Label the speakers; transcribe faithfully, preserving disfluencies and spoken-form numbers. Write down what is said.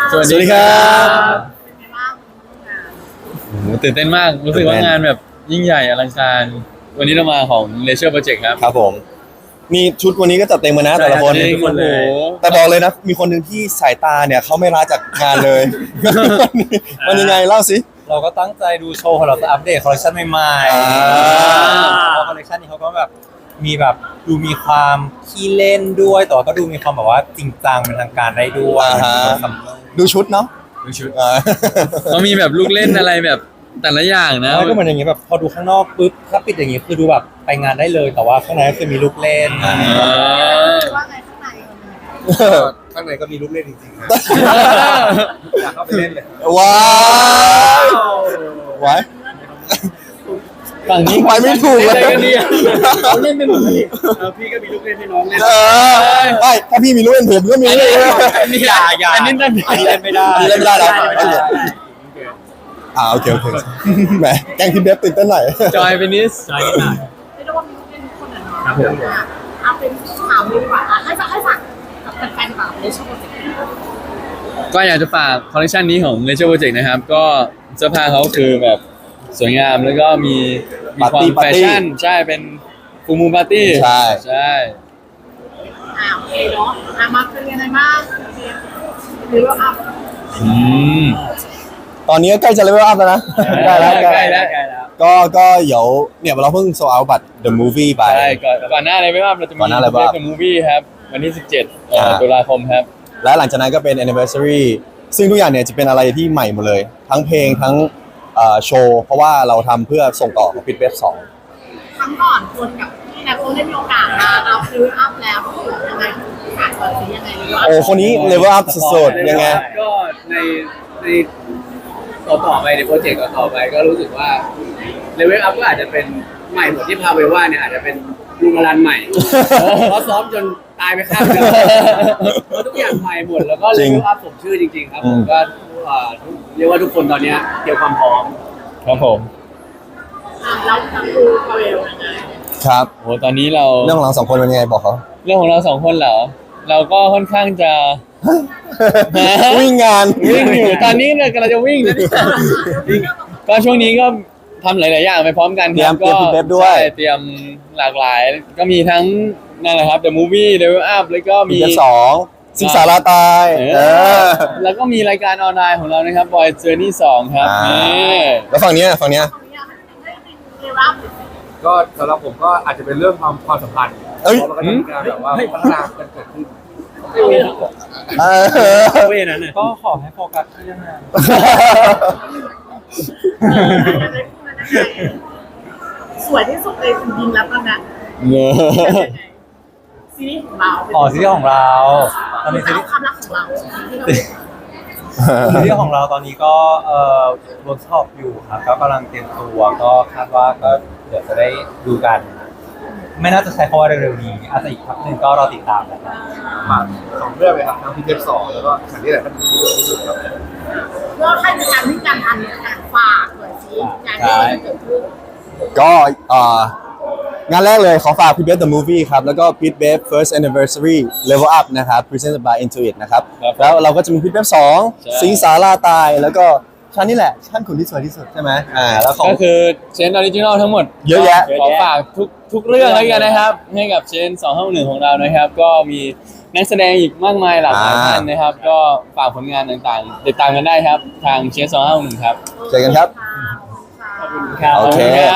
Speaker 1: สวัสดีครับ
Speaker 2: เป็นไงบ้างงาน
Speaker 1: โอ้โหตื่นเต้นมากรู้สึกว่างานแบบยิ่งใหญ่อลังการวันนี้เรามาของ Leisure Project ครับ
Speaker 3: ครับผมนี่ชุดวันนี้ก็จัดเต็มมานะแต่ละคน
Speaker 1: ใช่ทุกคนเลย
Speaker 3: แต่บอกเลยนะมีคนหนึ่งที่สายตาเนี่ยเขาไม่ละจากงานเลย มันยังไงเล่าสิ
Speaker 4: เราก็ตั้งใจดูโชว์ของเราจะอัปเดตคอลเลคชันใหม่
Speaker 3: อ่า
Speaker 4: ๆแล้วคอลเลคชันนี้เขาก็แบบมีแบบดูมีความขี้เล่นด้วย แต่ว่าก็ดูมีความแบบว่าจริงจังเป็นทางการได้ด้วย
Speaker 3: อ่าฮะดูชุดเนาะ
Speaker 4: ดูชุด
Speaker 3: อ่า
Speaker 1: เขามีแบบลูกเล่นอะไรแบบแต่ละอย่างนะ
Speaker 4: แล้วก็เหมือนอย่างงี้แบบพอดูข้างนอกปุ๊บถ้าปิดอย่างงี้คือดูแบบไปงานได้เลย แต่ว่าข้างในก็คือมีลูกเล่น
Speaker 1: อ่า
Speaker 2: ว่าไงข้างในเป็นยังไง
Speaker 5: ข้างในก็มีลูกเล่นจริงๆนะอยากเข้าไปเล่นเลย
Speaker 3: ว้าวไว้
Speaker 1: ฝั่งนี้
Speaker 3: ไปไม่ถูกเลย
Speaker 1: อะไรกันเนี่ย
Speaker 5: เขาเล่นเป็นหมดเลยพี่ก็มีลูกเล่นให้น้องเล่น
Speaker 3: เออไม่ถ้าพี่มีลูกเล่นผมก็มีเลย
Speaker 1: อันนี้อย่าอย่าอันนี้นั่น
Speaker 4: อันนี้เล่นไม่ได้
Speaker 3: อันนี้เล่นไม่ได้เหรอ
Speaker 4: ไม่ได้
Speaker 3: อ่าโอเคโอเคแหมแกงพี่เบฟตื่นเต้นหน่อย
Speaker 1: จอยเป็นนิส
Speaker 2: เรียกได้ว่ามีลูกเล่นทุกคนอะเนาะอ่ะเอาเป็นถามเลยดีกว่าอ่ะให้ฝากให้ฝากกับแฟนๆกับเลชโปรเจกต์
Speaker 1: ก็อยากจะฝากคอลเลคชันนี้ของ Leisure Project นะครับ ก็เสื้อผ้าเขาคือแบบสวยงามแล้วก็มีมีความ
Speaker 3: ปา
Speaker 1: แฟ
Speaker 3: ร์ตี้
Speaker 1: ชั่นใช่เป็นฟูมูปาร์ตี้
Speaker 3: ใช่
Speaker 1: ใช่
Speaker 2: อ่าโอเคเนาะอ่ะมาเป็นยังไงบ้างหรือว่าอัพ
Speaker 1: อืม
Speaker 3: ตอนนี้ก็ใกล้จะเลเวลอัพแล้วนะใกล้แล้ว
Speaker 1: ใกล้แล้ว
Speaker 3: ก็ก็เดี๋ยวเนี่ยเราเพิ่งโซเอาบัตร The Movie ไป
Speaker 1: ใช่ก่อนก่อนหน้าอะไรไม่ว่าเราจะมี
Speaker 3: ก่อนหน้าอะไรบ้าง
Speaker 1: เดอะมูฟวี่ครับวันที่สิบเจ็ดเอ่อ
Speaker 3: อ่า
Speaker 1: ตุลาคมครับ
Speaker 3: และหลังจากนั้นก็เป็น anniversary ซึ่งทุกอย่างเนี่ยจะเป็นอะไรที่ใหม่หมดเลย ทั้งเพลงทั้งเอ่อโชว์ เพราะว่าเราทำเพื่อส่งต่อของปิดเว็บสอง
Speaker 2: ครั้งก่อนคนกับพี่นักโอได้มีโอกาสมาเราคืออัพแล้วก็คือยังไงฝากก่อนสิยังไงหรือว่า
Speaker 3: โอ้คนนี้เลเวลอัพสุดๆยังไง
Speaker 5: ก็ในในต่อต่อไปในโปรเจกต์ต่อไปก็รู้สึกว่าเลเวลอัพก็อาจจะเป็นใหม่หมดที่พาเวว่าเนี่ยอาจจะเป็นลุงอรันใหม่ เพราะซ้อมจนตายไปข้างหนึงเพราะทุกอย่างใหม่หมดแล้วก็เล
Speaker 3: จริง
Speaker 5: เวลอัพผมชื่อจริงๆครับ
Speaker 3: อื
Speaker 5: ผม มก็เอ่อเรียกว่าทุกคนตอนเนี้ยเตรียมความพร้อม
Speaker 1: ครับผม
Speaker 2: อ่ะเราทำดูพาเวลยังไง
Speaker 3: ครับ
Speaker 1: โหตอนนี้เรา
Speaker 3: เรื่องของเราสองคนเป็นยังไงบอกเขา
Speaker 1: เรื่องของเราสองคนเหรอเราก็ค่อนข้างจะ
Speaker 3: วิ่งงาน
Speaker 1: วิ่งอยู่ตอนนี้เนี่ยกำลังจะวิ่งนะเนี่ยก็ช่วงนี้ก็ทำหลาย ๆ อย่างไปพร้อมกัน
Speaker 3: เตรียม
Speaker 1: ก็
Speaker 3: เตรียม Feedback ด้วย
Speaker 1: ใช่เตรียมหลากหลาย ก็มีทั้งนั่นแหละครับ The Movie Level Up แล้วก็
Speaker 3: ปิ
Speaker 1: มี
Speaker 3: ดเว็บสองสิงสาราตาย
Speaker 1: เอ
Speaker 3: เอ
Speaker 1: อ
Speaker 3: อ
Speaker 1: แล้วก็มีรายการออนไลน์ของเรานะครับ Boy Journey สองครับ
Speaker 3: อ่า
Speaker 1: นี่
Speaker 3: แล้วฝั่งเนี้ยฝั่งเนี้ย
Speaker 2: ตรงนี้ให้ให้เรียรับ
Speaker 5: ก็สำหรับผมก็อาจจะเป็นเรื่องความความสัมพันธ์
Speaker 3: เอ้ย
Speaker 5: เพราะมันก็จะมีการแบบว่าพัฒนากันเกิดขึ้น
Speaker 3: เออ
Speaker 4: เวนั้นก็ขอให้โฟกัสที่เรื่องงาน
Speaker 2: สวยที่สุดเลยคุณยิงแล้วตอนนั้น
Speaker 1: เนอะ
Speaker 2: ซีรีส์ของเรา
Speaker 4: อ๋อซีรีส์ของเราตอนนี้ซี
Speaker 2: เอา
Speaker 4: รีส์
Speaker 2: ความรักของเราที่เรา
Speaker 4: ซีรีส์ของเราตอนนี้ก็เอ่อเวิร์กช็อปอยู่ครับก็กำลังเตรียมตัวก็คาดว่าก็เดี๋ยวจะได้ดูกัน ไม่น่าจะใช้คำว่าเร็วๆนี้อาจจะอีกพักหนึ่งก็รอติดตามนะครับ
Speaker 5: มาสองเรื่องเลยครับทั้งพีเทปสองแล้วก็ฉันนี่แหละก็ถึงที่สุดที่สุดครับ
Speaker 2: เพื่อให้มีการวิ่งการทันการฝากหน่อยสิงานที่มันจะเกิดขึ้น
Speaker 3: ก็เอ่องานแรกเลยขอฝาก Pit Bef The Movie ครับ แล้วก็ Pit Bef First Anniversary Level Up นะครับ Presented by Intuit นะครับ
Speaker 1: ครับ
Speaker 3: แล้วเราก็จะมี Pit Bef สอง
Speaker 1: ใช่
Speaker 3: สิงสาราตาย แล้วก็ชั้นนี่แหละชั้นขุนที่สวยที่สุดใช่ไหมอ่าแล้วของ
Speaker 1: ก็คือเชนออริจินอลทั้งหมด
Speaker 3: เยอะแยะ
Speaker 1: ขอฝากทุกทุกเรื่องแล้วกันนะครับ ให้กับเชนสองห้าหนึ่งของเรานะครับ ก็มีนักแสดงอีกมากมายหลากหลาย
Speaker 3: อ่า
Speaker 1: ท่านนะครับ ก็ฝากผลงานต่างๆ ติดตามกันได้ครับ ทางเชนสองห้าหนึ่งครับ
Speaker 3: เจอกันครับ
Speaker 2: ขอบคุณค่ะ
Speaker 3: โอเค